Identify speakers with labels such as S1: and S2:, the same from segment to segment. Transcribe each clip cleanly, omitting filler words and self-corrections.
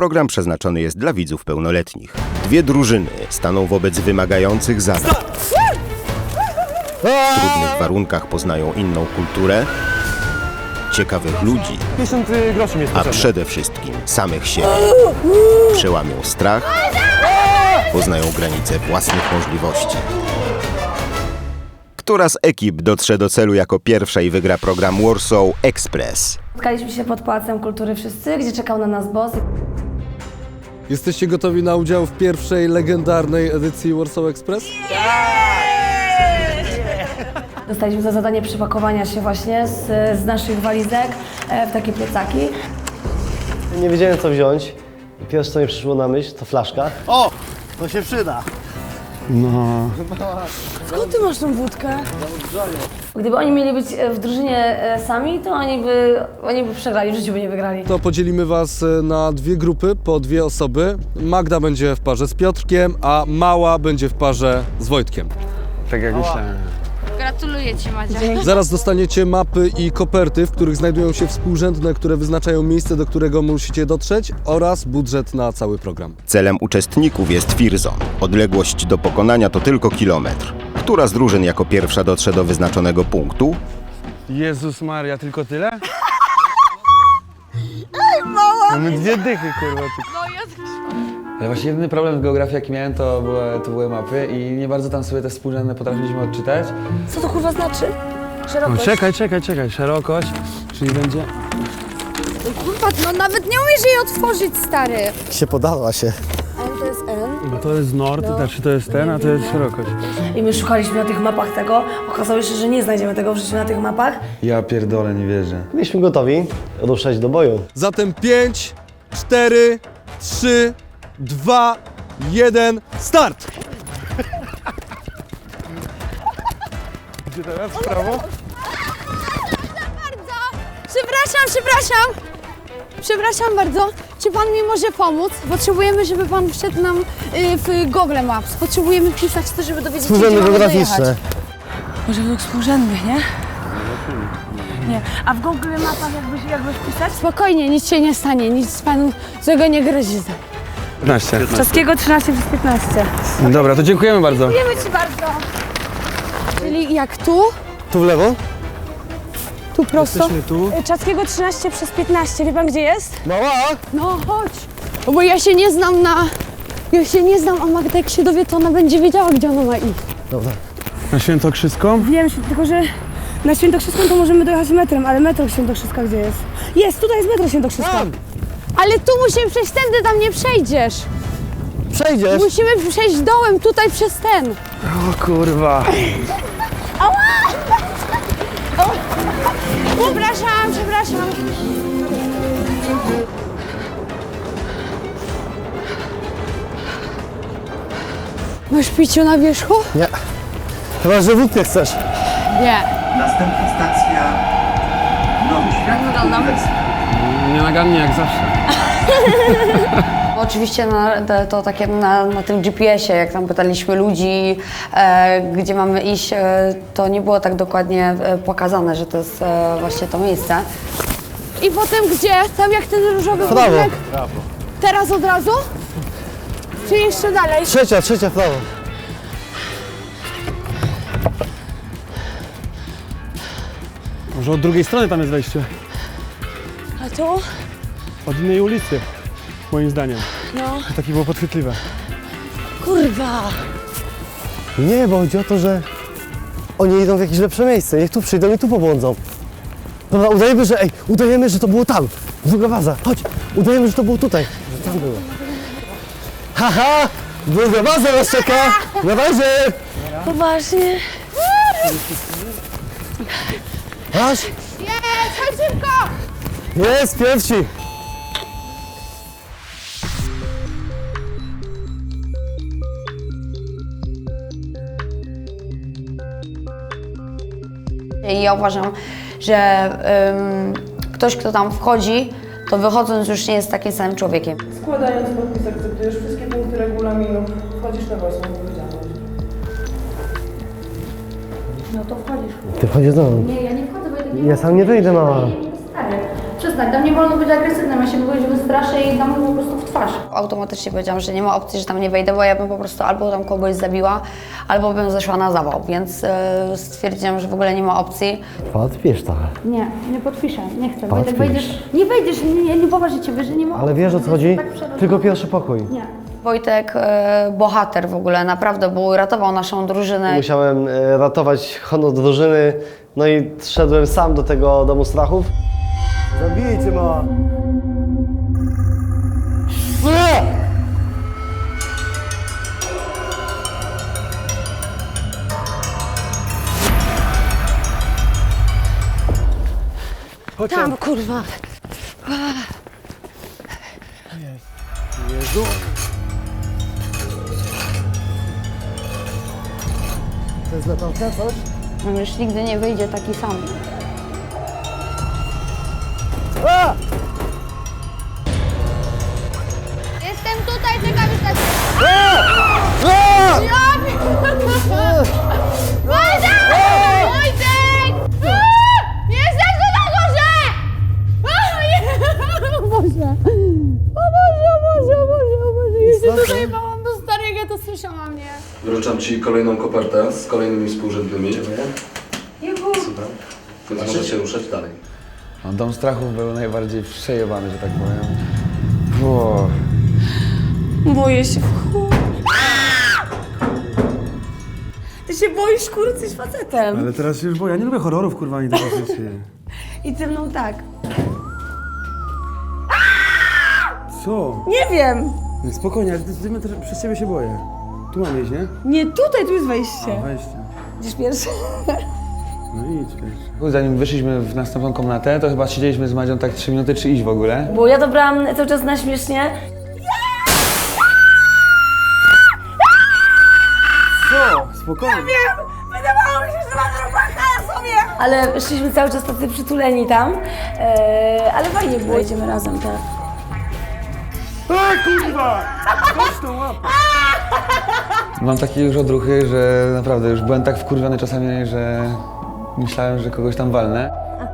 S1: Program przeznaczony jest dla widzów pełnoletnich. Dwie drużyny staną wobec wymagających zadań. W trudnych warunkach poznają inną kulturę, ciekawych ludzi,
S2: 50 groszy mi jest
S1: a
S2: potrzebne.
S1: przede wszystkim samych siebie. Przełamią strach, poznają granice własnych możliwości. Która z ekip dotrze do celu jako pierwsza i wygra program Warsaw Express?
S3: Spotkaliśmy się pod Pałacem Kultury wszyscy, gdzie czekał na nas boss.
S4: Jesteście gotowi na udział w pierwszej legendarnej edycji Warsaw Express?
S3: Dostaliśmy za zadanie przepakowania się właśnie z naszych walizek w takie plecaki.
S5: Nie wiedziałem co wziąć. Pierwsze co mi przyszło na myśl to flaszka.
S6: O! To się przyda.
S3: Skąd ty masz tą wódkę? Gdyby oni mieli być w drużynie sami, to oni by przegrali, w życiu by nie wygrali.
S4: To podzielimy was na dwie grupy, po dwie osoby. Magda będzie w parze z Piotrkiem, a Mała będzie w parze z Wojtkiem.
S2: Tak jak myślałem.
S7: Gratuluję Ci, Madzia.
S4: Zaraz dostaniecie mapy i koperty, w których znajdują się współrzędne, które wyznaczają miejsce, do którego musicie dotrzeć, oraz budżet na cały program.
S1: Celem uczestników jest Fearzone. Odległość do pokonania to tylko kilometr. Która z drużyn jako pierwsza dotrze do wyznaczonego punktu?
S2: Jezus Maria, tylko tyle? Mamy dwie dychy, kurwa.
S8: Ale właśnie jedyny problem w geografii jaki miałem to były mapy i nie bardzo tam sobie te współrzędne potrafiliśmy odczytać.
S3: Co to kurwa znaczy?
S2: No,
S3: Szerokość.
S2: czekaj. Szerokość, czyli będzie...
S7: Kurwa, no nawet nie umiesz jej otworzyć, stary.
S5: Się podała się.
S7: N to jest N.
S2: Bo to jest nord, znaczy to jest ten, a to jest szerokość.
S3: I my szukaliśmy na tych mapach tego. Okazało się, że nie znajdziemy tego w życiu na tych mapach.
S8: Ja pierdolę, nie wierzę.
S5: Byliśmy gotowi ruszać do boju.
S4: Zatem 5, 4, 3, 2, 1, start!
S2: Gdzie teraz? W prawo?
S7: Przepraszam bardzo. Czy Pan mi może pomóc? Potrzebujemy, żeby Pan wszedł nam w Google Maps. Potrzebujemy pisać to, żeby dowiedzieć się, gdzie
S5: Współrzędne
S7: mamy
S5: geograficzne.
S7: dojechać.
S3: Może według współrzędnych, nie? Nie. A w Google Mapach jakbyś pisać?
S7: Spokojnie, nic się nie stanie, nic Panu złego nie grozi.
S2: 15.
S3: Czaskiego 13 przez 15.
S2: Dobra, to dziękujemy bardzo.
S7: Dziękujemy Ci bardzo. Czyli jak tu?
S5: Tu w lewo?
S7: Tu prosto?
S2: Jesteśmy tu.
S7: Czaskiego 13 przez 15. Wie Pan gdzie jest?
S5: Mała!
S7: No chodź. Bo ja się nie znam a Magda jak się dowie, to ona będzie wiedziała, gdzie ona ma iść.
S5: Dobra.
S2: Na Świętokrzyską?
S3: Wiem, tylko że na Świętokrzyską to możemy dojechać metrem, ale metro Świętokrzyska gdzie jest? Jest, tutaj jest metro Świętokrzyska.
S7: Ale tu musimy przejść tędy, tam nie przejdziesz.
S5: Przejdziesz!
S7: Musimy przejść dołem, tutaj przez ten.
S2: O kurwa.
S7: Przepraszam. Masz piciu na wierzchu?
S5: Nie. Chyba, że wódkę chcesz.
S7: Nie.
S9: Następna stacja Nowy Świat.
S2: Nienagannie jak zawsze.
S10: Oczywiście to takie na tym GPS-ie, jak tam pytaliśmy ludzi, gdzie mamy iść, to nie było tak dokładnie pokazane, że to jest właśnie to miejsce.
S7: I potem gdzie? Tam jak ten różowy
S5: Prawo.
S7: budynek? Teraz od razu? Czy jeszcze dalej?
S5: Trzecia w prawo.
S2: Może od drugiej strony tam jest wejście.
S7: A tu?
S2: Od innej ulicy, moim zdaniem.
S7: No.
S2: To takie było podchwytliwe.
S7: Kurwa.
S5: Nie, bo chodzi o to, że oni idą w jakieś lepsze miejsce. Niech tu przyjdą i tu pobłądzą. Dobra, udajemy, że to było tam. Druga baza. Chodź. Udajemy, że to było tutaj. Że tam było. Haha! Druga baza nas czeka! Na bazie!
S3: Poważnie?
S5: Masz?
S7: Jest, chodź szybko!
S5: Jest, pierwsi!
S10: I ja uważam, że ktoś, kto tam wchodzi, to wychodząc już nie jest takim samym człowiekiem.
S3: Składając podpis akceptujesz wszystkie punkty regulaminu. Wchodzisz na własną odpowiedzialność. No to wchodzisz.
S5: Ty wchodzisz do mnie.
S3: Nie, ja nie wchodzę, bo ja tak
S5: Ja sam nie wyjdę, mama.
S3: Stary, przestań, tam nie wolno być agresywnym, ja się kogoś wystraszę i dam mu po prostu w twarz. twarz.
S10: Automatycznie powiedziałam, że nie ma opcji, że tam nie wejdę, bo ja bym po prostu albo tam kogoś zabiła, albo bym zeszła na zawał, więc stwierdziłam, że w ogóle nie ma opcji.
S5: Podpisz to.
S7: Nie, nie podpiszę, nie chcę.
S5: Podpisz.
S7: Nie wejdziesz, nie poważę ciebie, że nie ma.
S5: Ale wiesz o co chodzi? Tylko pierwszy pokój.
S7: Nie.
S10: Wojtek, bohater w ogóle, naprawdę, bo ratował naszą drużynę.
S5: Musiałem ratować honor drużyny, no i szedłem sam do tego domu strachów. Zabijcie ma!
S3: Tam, kurwa.
S5: Jezu! To jest latarka, coś?
S10: On już nigdy nie wyjdzie taki sam.
S5: A!
S7: Jestem tutaj, czekam już na ciebie. Wojtek! Wojtek! Jestem tu na górze! O Boże! O Boże, o Boże, o Boże, o Boże! Ja się tutaj bałam do starego, to słyszałam, nie?
S4: Wręczam Ci kolejną kopertę z kolejnymi współrzędnymi. Super. Więc możesz się ruszać dalej.
S8: No, Dom Strachów był najbardziej przejebany, że tak powiem. O.
S3: Boję się w chuj. Ty się boisz, kurwa, jesteś facetem.
S2: Ale teraz się już boję. Ja nie lubię horrorów, kurwa, ani tego rzeczy.
S3: I ze mną tak.
S2: Co?
S3: Nie wiem.
S2: No, spokojnie, przez ciebie się boję. Tu mam iść, nie?
S3: Nie, tutaj, tu jest wejście.
S2: Wejście.
S3: Idziesz pierwszy.
S2: No idź pierwszy.
S8: Zanim wyszliśmy w następną komnatę, to chyba siedzieliśmy z Madzią tak 3 minuty, czy iść w ogóle.
S3: Bo ja dobrałam cały czas na śmiesznie.
S2: Co? Spokojnie.
S3: Wydawało mi się, że mam robaka sobie. Ale szliśmy cały czas tacy przytuleni tam. Ale fajnie było. Idziemy razem, tak.
S2: Kurwa! Chodź tą łapę!
S8: Mam takie już odruchy, że naprawdę już byłem tak wkurwiony czasami, że myślałem, że kogoś tam walnę.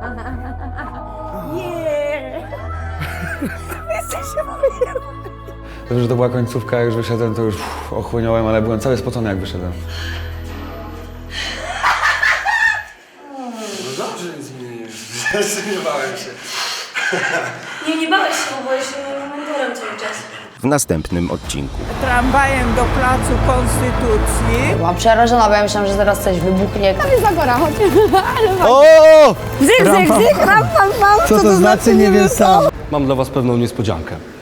S8: Dobrze, że to była końcówka, jak już wyszedłem, to już ochłonąłem, ale byłem cały spocony, jak wyszedłem.
S4: No dobrze, nic mi nie jest. Nie bałem się.
S3: Nie bałeś się, bo byłeś mentorem cały czas.
S1: W następnym odcinku.
S11: Tramwajem do Placu Konstytucji.
S10: Byłam przerażona, bo ja myślałam, że zaraz coś wybuchnie.
S7: Tam jest Zagora, chodź.
S5: O!
S3: Zyk, ram, pam, pam.
S5: Co to znaczy, nie wiem sam. Mam dla was pewną niespodziankę.